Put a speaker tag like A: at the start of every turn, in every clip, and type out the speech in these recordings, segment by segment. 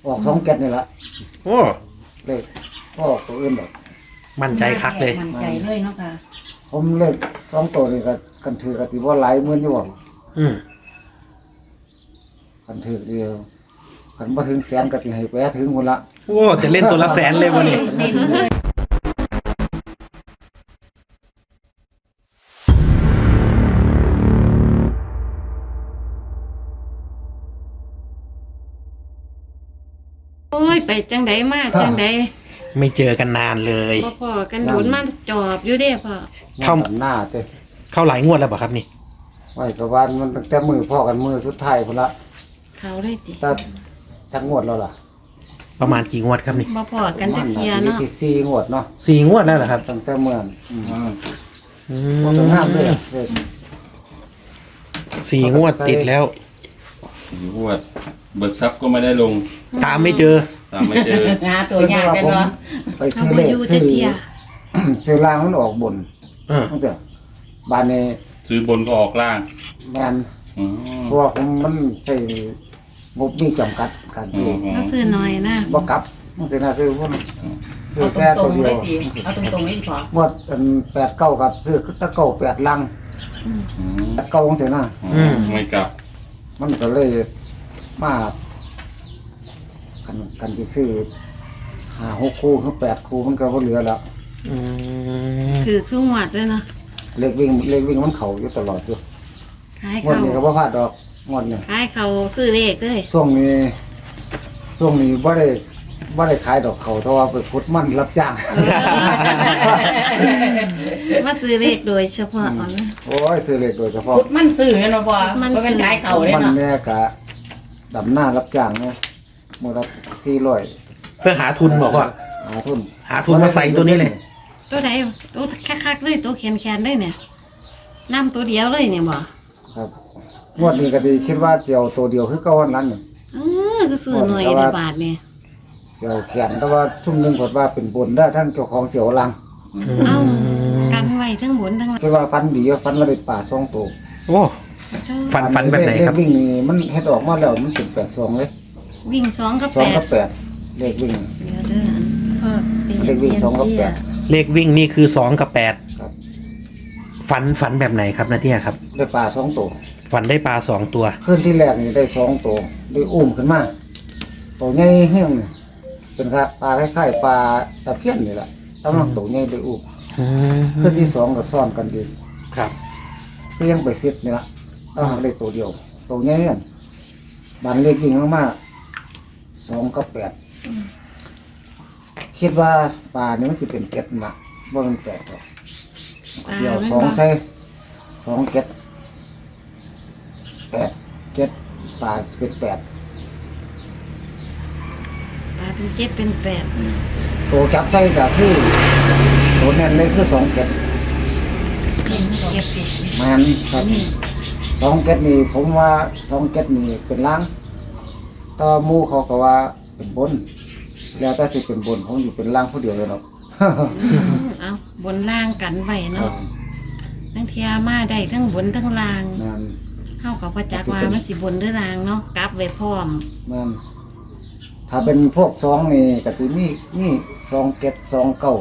A: ออก2 7นี่ละ
B: โอ้
A: เลขก็ออกตัวอื่นดอก
B: มั่นใจคักเลย
C: มั่นใจเลยเนาะค่ะ
A: ผมเลข2ตัวนี่ก็กันถือก็สิบ่หลายหมื่นอยู่บ่
B: อืม
A: กันถือเดียวกันบ่ถึงแสนก็สิให้ไปถึงพุ่นละ
B: โอ้จะเล่นตัวละแสนเลยวันนี้
C: เน้นเลย
D: โอ้ยไปจังไดมาจังได
B: ไม่เจอกันนานเลย
D: พ่อพ่อกันโดนมาจอบอยู่เด้พ่อ
B: เข้า
A: หน้าเจ้
B: เข้าหลายงวดแล้วเปล่ะครับนี่
A: ไว้กับว่ามันตั้งแต่มือพ่อกันมือสุดท้ายพุ่นละ
D: เขาได้สิ
A: ถ้าจักงวดแล้วล่ะ
B: ประมาณกี่งวดครับนี่
D: บ่พ่อกันจักเทียเนาะ
A: ที่4งวดเนาะ
B: 4 งวดแล้วเหรอครับ
A: ตั้งแต่เมื่อ
B: อื
A: บ่ต้องห้ามด้วยเลข
B: 4 งวดติดแล้ว
E: งวดเบิกทรัพย์ก็ไม่ได้ลง
B: ตามไม่เจอ
E: ตามไม่เจอ
C: หาตัวยากกันเนาะ
A: ไป
D: เขา
A: ซื้อ
D: บ่
A: เลข
D: อยู่
A: ซื้
D: จั
A: อก
D: เทีย
A: ซื้อล่างมันออกบน
B: เออ
A: จังซี่บ้านนี้
E: ซื้อบนก็ออกล่าง
A: แม่น
E: อืม
A: เพราะว่าผมมันใช้งบมีจำกัดการซื้อ
D: ก็ซื้อหน่อยนะ
A: บ่กลับมันสิน่าซื้อผมซื้อ
C: เอา
A: แค่
C: ตร
A: ตัว
C: งๆ
A: เดีย
C: เล
A: วย
C: สิเอาตรงๆเลยดีพอ
A: งวดอัน8 9กับซื้อตะเก้า8ลัง
D: อืม
E: อืม
A: 8 9จังซี่นะ
E: ไม่กลับ
A: มันก็เลยมากันสิซื้อ5 6คู่ถึง8คู่มันก็บ่เหลือแล้ว
B: อืม
D: ถือทุกงวดด้วยเนาะ
A: เลขวิ่งมันเข้าอยู่ตลอดอยู่
D: ขาย
A: งวด
D: เขา
A: นี้ก็บ่พลาดดอกงวดนี้
D: ขายเขาซื้อเลขเลย
A: ช่วงนี้บ่ได้ขายดอกเขาเพราะว่าไปขุดมันรับจ้าง
D: มาซื้อเลขโดยเฉพาะเอานะ
A: โอ้ยซื้อเลขโดยเฉพาะ
C: พุดมันสื่อเนาะพอ
D: มัน
C: มันเป็นขายเขาเลย
A: มัน
C: เนาะ
A: เนี่ยกะดำหน้ารับจ้างเนาะมื้อละ400
B: เพื่อหาทุนบอกว่า
A: หาทุน
B: หาทุนมาใส่ตัวนี้เลย
D: ตัวใดตัวคักๆเลยตัวแขนๆเลยเนี่ยน้ำตัวเดียวเลยเนี่ยบ่
A: ครับงวดนี้ก็ดีคิดว่าสิเอาตัวเดียวคือเก่าวันนั้นน่ะ
D: ก็ซื้อหน่อยในบาทเนี่ย
A: สิเอาแขนแต่ว่าทุ่มหนึงกดว่าเป็นบนได้ทั้งเจ้าของเสียวลัง
D: เอ้ากันไว้ทั้งบนทั้งล่าง
A: คิดว่าฟันดีฟันว่าได้ป่า2ตัว
B: โอ้ฟันแบบไหนครับ
A: เลขวิ่งนี่มันเฮ็ดออกมาแล้วมันเป็น82เลย
D: วิ่ง2กับ
A: 2กับ
D: 8
A: 8เลขวิ่ง
D: เดี๋ยวเด้อพ่อเป็น
A: เลขวิ่ง2กับ
B: เลขวิ่งนี่คือ2กับ
A: 8ครับ
B: 8ฝันแบบไหนครับนาเทียครับ
A: ได้ป่า2ตัว
B: ฝันได้ปลา2 ตัว
A: คืนที่แรกนี่ได้2ตัวได้อุ้มขึ้นมาตัวใหญ่แห้งนี่เป็นครับปลาคล้ายๆปลาตะเพียนนี่แหละกำลังตัวใหญ่ได้อุ้ม
B: อืม
A: คืนที่2ก็ซ่อนกันดี
B: ครับ
A: คือยังไปซิดนี่ละต้องเลขตัวเดียวตัวใหญ่เนี่ยบันเลขยิงมากๆ2กับ8คิดว่าปลานี่มันสิเป็นเก็ดนะบ่มันแปดหรอกเดียว2ใส่2เก็ด8เก็ดปลาสิเป็น8
D: ปลาเป็น7เป็น8
A: ตัวจับใส่ก็คือตัวแน่นเลยคือ2เก็ด
D: 7
A: มันครับ2เก็ดนี่ผมว่า2เก็ดนี่เป็นล้างต่อหมู่เขาก็ว่าเป็นบน แล้วแต่สิเป็นบนผมอยู่เป็นล่างผู้เดียวเลยเนาะ
D: เอาบนล่างกันไว้เนาะทั้งเทียมาได้ทั้งบนทั้งล่าง
A: นั่น
D: เฮากับประจักษ์ว่ามันสิบนหรือล่างเนาะกลับไว้พร้อม
A: นั่นถ้าเป็นพวก2นี่ก็สิมี2เก็ด2เก้า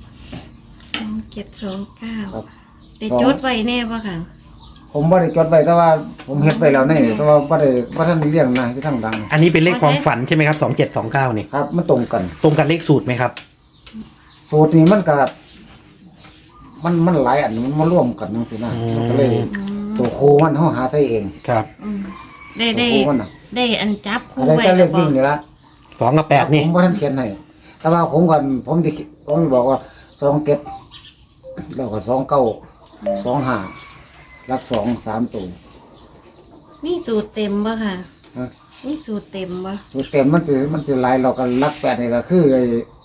D: 729
A: ครับ
D: ได้จดไว้แน่บ่ค่ะ
A: ผมบ่ได้จดไว้แต่ว่าผมเฮ็ดไว้แล้วนี่แต่ว่าบ่ทันได้เลี้ยงนะที่ทางดัง
B: อันนี้เป็นเลขความฝันใช่ไหมครับ2729นี่
A: ครับ มันตรงกัน
B: ตรงกันเลขสูตรไหมครับ
A: สูตรนี้มันก็มันหลายอันมันมาร่วมกันจังซี่นะมันก็เลย
D: อืม
A: ตัวครูมันเฮาหาใส่เอง
B: ครับ
D: อืมได้
A: ตัว
D: ได้
A: ครูมันน่ะ
D: ได้อันจับคู่
A: อะไร
D: ไว้
A: แต่เล
D: แล้ว
A: ข
D: บ่
A: วิ่งนี่ละ
B: 2กับ8นี่
A: ผมบ่ทันเขียนให้แต่ว่าผมสิบอกว่า2เก็ดแล้วก็2เก้า2 5หลัก2 3ตัว
D: มีสูตรเต็มบ่ค่ะ
A: ฮะ
D: มีสูตรเต็มบ่
A: สูตรเต็มมันสิหลายเราก็หลัก8นี่ก็คือไอ้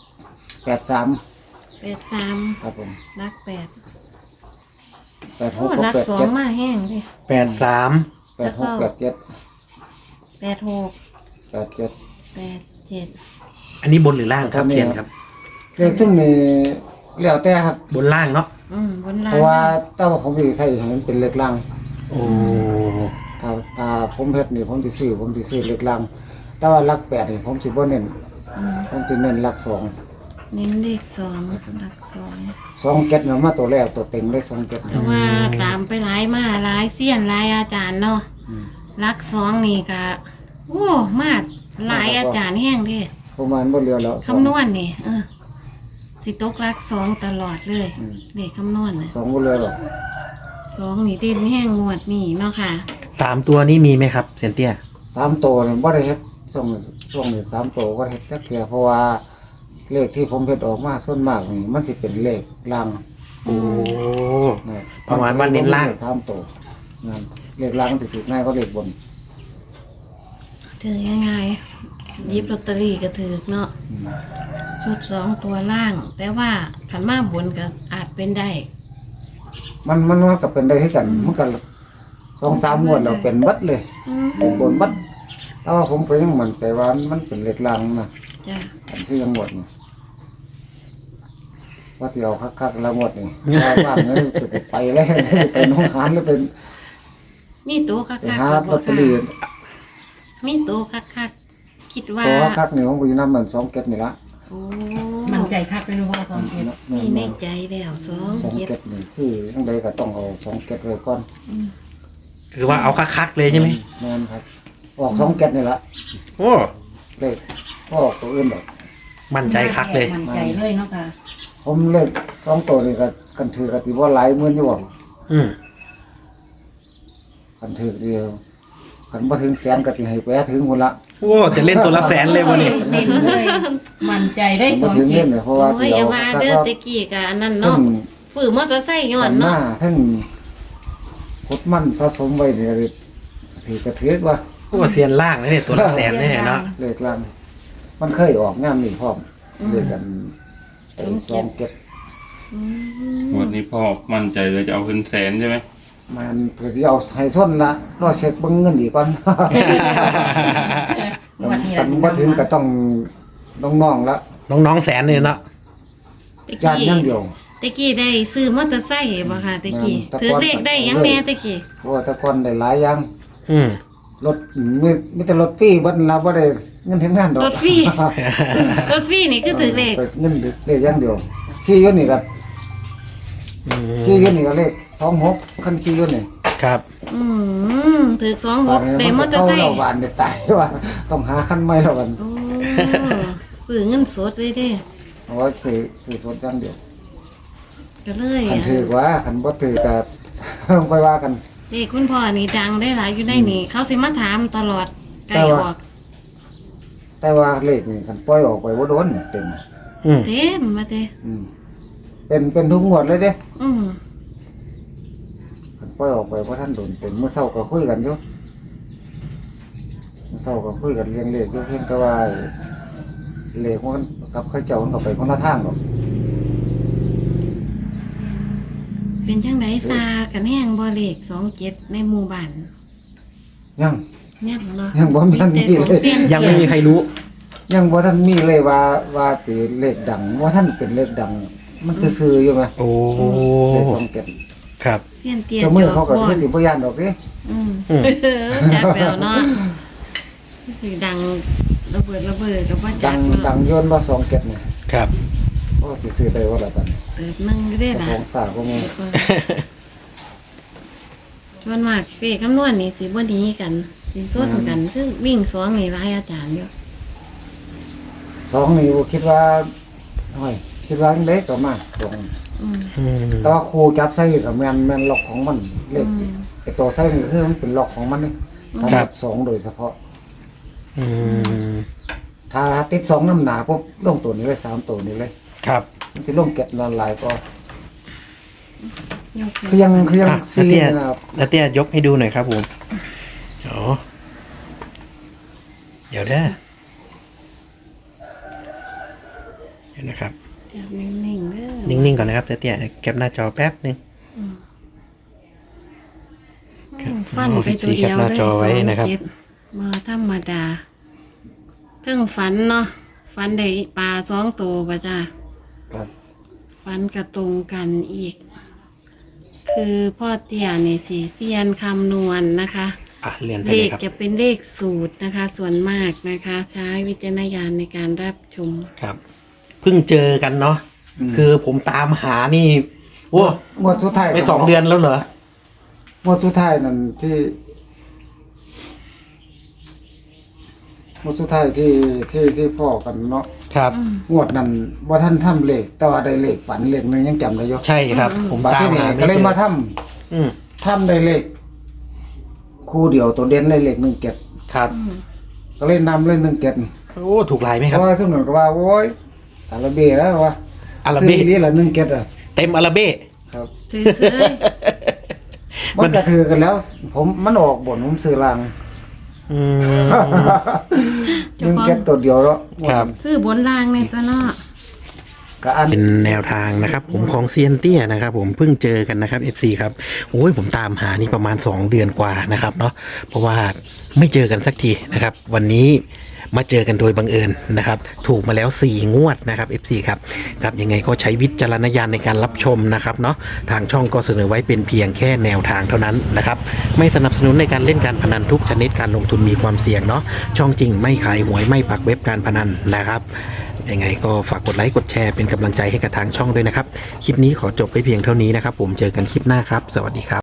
A: 83
D: 83
A: ครับผม
D: รัก8
A: 86
D: โอ้รัก2
A: 87
D: มาแห้งเด้
B: 83
A: 86 87
D: 86
A: 87
D: 87
B: อันนี้บนหรือล่างครับเขียนครับ
A: เลขซุ่มนี่แล้วแต่ครับ
B: บนล่างเนาะ
D: บนล่าง
A: เพราะว่าแต่ว่าผมสิใส่ให้มันเป็นเลขล่าง
B: โอ้
A: ถ้าผมเฮ็ดนี่ผมสิซื้อเลขล่างแต่ว่าหลักแปดนี่ผมสิบ่เน้น
D: อืม
A: ผมสิเน้นหลักสอง
D: เน้นเลขสองหลักสอง
A: สองเก็ดน่ะมาตัวแรกตัวเต็งได้สองเก็ด
D: เพราะว่าตามไปหลายมาหลายเสี้ยนหลายอาจารย์เนาะ
A: อืม
D: หลักสองนี่ก็โอ้มาดหลายอาจารย์แห้งเด้
A: ประมาณบ่เหลือแล้ว
D: คำนวณนี่สิตกหลักสองตลอดเลย
A: อืม
D: เลขคำนวณน่ะ
A: สองบ่เหลือหรอก
D: สองนี่เด่นแห้งงวดนี่เนาะค่ะ
B: 3 ตัวนี้มีไหมครับเซียนเตี้ย
A: สามตัวนี่บ่ได้เฮ็ดช่วงนี้สามตัวก็เฮ็ดจักเทื่อเพราะว่าเลขที่ผมเฮ็ดออกมาส่วนมากนี่มันสิเป็นเลขลาง
B: โอ้
A: นะ
B: ประมาณว่าเน้นล่าง
A: สามตัวนั่นเลขลางมันสิถูกง่ายกว่าเลขบน
D: ถือยังไงหยิบลอตเตอรี่ก็ถือเนาะ
A: อืม
D: ชุดสองตัวล่าง แต่ว่าขันมาบนก็อาจเป็นได้
A: มันก็เป็นได้คือกันมันก็2-3งวดแล้วเป็นเบัดเลย
D: อืม
A: เป็นบนเบัดแต่ว่าผมก็ยังมั่นใจว่ามันเป็นเลขลางนะ
D: จ้ะ
A: อันที่ยังหมดนี่ว่าสิเอาคักๆแล้วหมดนี่ว่างๆนี่จะไปแล้วไปหน้องหานหรือเป็น
D: มีตัวคัก
A: ไป
D: ๆ
A: หา
D: ก็
A: ล
D: บ่
A: อตเตอรี่
D: มีตัวคักๆคิดว่า
A: ตัวคักๆนี่ผมก็อยู่นำมัน2เก็ดนี่ละ
D: โอ้
C: มันใจคักเป็นพ่อสองเกต
D: มีในใจแล้วสอง
A: 2
D: เจ็ด
A: เก็ดนี่คือจังไดก็ต้องเอา2เก็ดไว้ก่อน
D: อืม
B: คือว่าเอาคักๆเลยใช่ไหม
A: แม่นครับออก2เก็ดนี่ละ
B: โอ้
A: เลขบ่ออกตัวอื่นดอก
B: มั่นใจคักเลย
C: มันใจเลยเนาะค่ะ
A: ผมเลข2ตัวนี่ก็กันถือก็สิบ่หลายหมื่นอยู่บ่
B: อืม
A: กันถือเดียวคันบ่ถึงแสนก็สิให้ไปถึงพุ่นละ
B: โอ้จะเล่นตัวละแสนเลยวันนี้
C: เน้นเลยมันใจได้
A: คัน
C: ส
A: บ่
C: อง
A: ถึง
C: เก
A: เงิ
C: ต
A: นเนี่ยเพราะว่า
D: โอ้
A: สิ
D: ยอย่า
A: เอา
D: ว่า
A: คัก
D: เด้
A: ๆ
D: อ
A: ว่า
D: ตะกี้กับอันนั้น
A: ทั้
D: เนาะ
A: ง
D: ฝืนมอเตอร์ไซค์ย้อ
A: กัน นห
D: เนาะ
A: น้าทั้งพดมันสะสมไว้นี่ก็ถือกระเทือกว่า
B: โอ้เซียนล่างเลยเนี่ยตัวละแสนแน่เนาะ
A: เลขลังมันเคยออกงามนี่พร้อมเลขกันไอ้ซองเก็บ
D: อื
E: ง
D: ม
E: วดนี้พ่อมั่นใจเลยจะเอาขึ้นแสนใช่ไหม
A: มันก็สิเอาให้ส้นละรอเช็คเบิ่งเงินอีกก่อน
C: วันนี้
A: กั
C: เรา
A: นบ่ถึงก็ต้องน้องๆละ
B: น้องๆแสนเลยเนาะ
D: ตะ
A: ญาติ
D: กี้
A: อย่างเดียว
D: ตะกี้ได้ซื้อมอเตอร์ไซค์บ่ค่ะตะกี้
A: แม่นแต่
D: ถือ
A: ก่อน
D: เลขได้ยังแม่ตะกี้
A: เพราะว่าแต่ก่อนได้หลายอย่าง
B: อืม
A: รถมีแต่รถฟรีบัดเราบ่ได้เงินถึงนั่นดอก
D: รถฟรี รถฟรีนี่คือถือเลข
A: เงินเลขอย่างเดียวขี่อยู่นี่ก็
B: อืม
A: ขี่อยู่นี่ก็เลข26คันขี่อยู่นี่
B: ครับ
D: ถือ26ได้มอเตอร์ไซค์
A: เราบานได้ตายว่าต้องหาคันใหม่แล้วกัน
D: โอ้ซื้อเงินสดเลยเด้
A: เอาไว้ซื้อสดอย่างเดียว
D: ก็เลย
A: คันถือว่าคันบ่ถือก็ ค่อยว่ากัน
D: เลขคุณพ่อนี่ดังได้หลายอยู่ในนี่เขาสิมาถามตลอดไกลออก
A: แต่ว่าเลขนี่คันปล่อยออกไปบ่โดนเต็ม
B: อืม
D: เต็มมาเต้
A: อืมเป็นทุกงวดเลยเด้
D: อืม
A: คันปล่อยออกไปบ่ทันโดนเต็มเมื่อเช้าก็คุยกันอยู่เมื่อเช้าก็คุยกันเรื่องเลขอยู่เพียงแต่ว่าเลขมันกับเขาเจ้ามันก็ไปคนละทางดอก
D: เป็นจังไดซากันแห้งบ่เลข27ในหมู่บ้าน
A: ยัง
D: ยังเนาะ
A: ยังบ่มี
D: แต่ของเซียน
B: ยังไม่มีใครรู้
A: ยังบ่ทันมีเลยว่าสิเลขดังว่าท่านเป็นเลขดัง มันซื่อๆอยู่ไหม
B: โอ้
A: เลข2เก็ด
B: ครับ
D: เซียนเตีย
A: เจ้ามือเขาก็
D: บ่
A: คือสิบ่ย่านดอกเด้
D: อืม
B: อืม
D: จักแล้วเนาะสิดังระเบิดก็บ่
A: ดั
D: จัก
A: ง
D: เนาะ
A: ดังโยนว่า2เก็ดนี่
B: ครับ
A: โอ้สิซื้อได้ว่าละบัดนี้
D: เติบหนึงอยู่ได้
A: เจ้า
D: ล่ะ
A: ของสาก็มี
D: ชวนมากเฟคำนวณนี่สิบ่หนีกันสิส้นกันคือวิ่งสองนี่หลายอาจารย์อยู่
A: 2นี่บ่คิดว่าโอ้ยคิดว่าจังไดก็มา2
D: อืม
B: อืม
A: แต่ว่าครูจับใส่ก็แม่นล็อกของมันเลข
D: อืม
A: ไอ้ตัวใส่นี่คือมันเป็นล็อกของมันนี่สำหรับ2โดยเฉพาะ
B: อืม
A: ถ้าติด2น้ำหนาปุ๊บลงตัวนี้เลย3ตัวนี้เลย
B: ครับ
A: มันสิลงเก็ดนอนหลายก็
D: ยก
A: คือยัง
B: อ่ะ
A: ซี
B: นาเตี้ย
A: นะครับ
B: นาเตี้ยยกให้ดูหน่อยครับผมอ๋อเดี๋ยวนะครับ
D: จับนิ่งๆเด้อ
B: นิ่งๆก่อนนะครับนาเตี้ยแคปหน้าจอแป๊บนึง
D: อืม
B: ครับ
D: ฟันไปตัวเดียว
B: แคปหน้าจอไว้นะครับ
D: 27มาธรรมดาเทั้งฝันเนาะฝันได้ปลา2ตัวป่ะจ้า
A: ครับ
D: ฝันกระตรงกันอีก คือพ่อเตี้ยนี่สีเซียนคำนวณนะคะ
B: เรียนไป
D: เล
B: เลย
D: ข
B: ครับ
D: จะเป็นเลขสูตรนะคะ ส่วนมากนะคะ ใช้วิจารณญาณในการรับชม
B: ครับเพิ่งเจอกันเนาะ
A: ม
B: คือผมตามหานี่โอ้
A: งวดสุดท้าย
B: ไป2 เดือนแล้วเหรอ
A: งวดสุดท้ายนั่นที่งวดสุดท้ายที่พ่อกันเนาะ
B: ครับ
A: งวดนั้นว่าท่านทำเลขแต่ว่าได้เลขฝันเลขหนึงยังจำได้อยู่
B: ใช่ครับ ผม
A: บัด
B: ตาม
A: ที่นี่
B: หา
A: ก็เลยมาทำ
B: อืม
A: ทำได้เลขคู่เดียวตัวเด่นเลยเลข1 7
B: ครับ
A: ก็เลยนำเลย1 7
B: โอ้ถูกหลายไหม
A: เพ
B: ครับ
A: ราะว่าสมนุนก็ว่าโอ้ยอาราเบ้แล้วว่า
B: อาราเบ้
A: ซื้อนี่ละ1 7อ่ะ
B: เต็มอาราเบ้
A: ครับ
D: ถือเคย
A: มันก็ถือกันแล้ว ผมมันออกบนผมซื้อล่าง
B: อืม
A: 1 7ตัวเดียวแล้ว
B: ครับ
D: ซื้อบนรางในตัวเนาะ
A: ก็อัน
B: เป็นแนวทางนะครับ ผมของเซียนเตี้ยนะครับ ผมเพิ่งเจอกันนะครับ FC ครับโอ้ยผมตามหานี่ประมาณ2 เดือนกว่านะครับเนาะเพราะว่าไม่เจอกันสักทีนะครับ วันนี้มาเจอกันโดยบังเอิญนะครับ ถูกมาแล้ว4 งวดนะครับ FC ครับครับยังไงก็ใช้วิจารณญาณในการรับชมนะครับเนาะทางช่องก็เสนอไว้เป็นเพียงแค่แนวทางเท่านั้นนะครับ ไม่สนับสนุนในการเล่นการพนันทุกชนิดการลงทุนมีความเสี่ยงเนาะช่องจริงไม่ขายหวยไม่ปักเว็บการพนันนะครับยังไงก็ฝากกดไลค์กดแชร์เป็นกำลังใจให้กับทางช่องด้วยนะครับคลิปนี้ขอจบไปเพียงเท่านี้นะครับ ผมเจอกันคลิปหน้าครับ สวัสดีครับ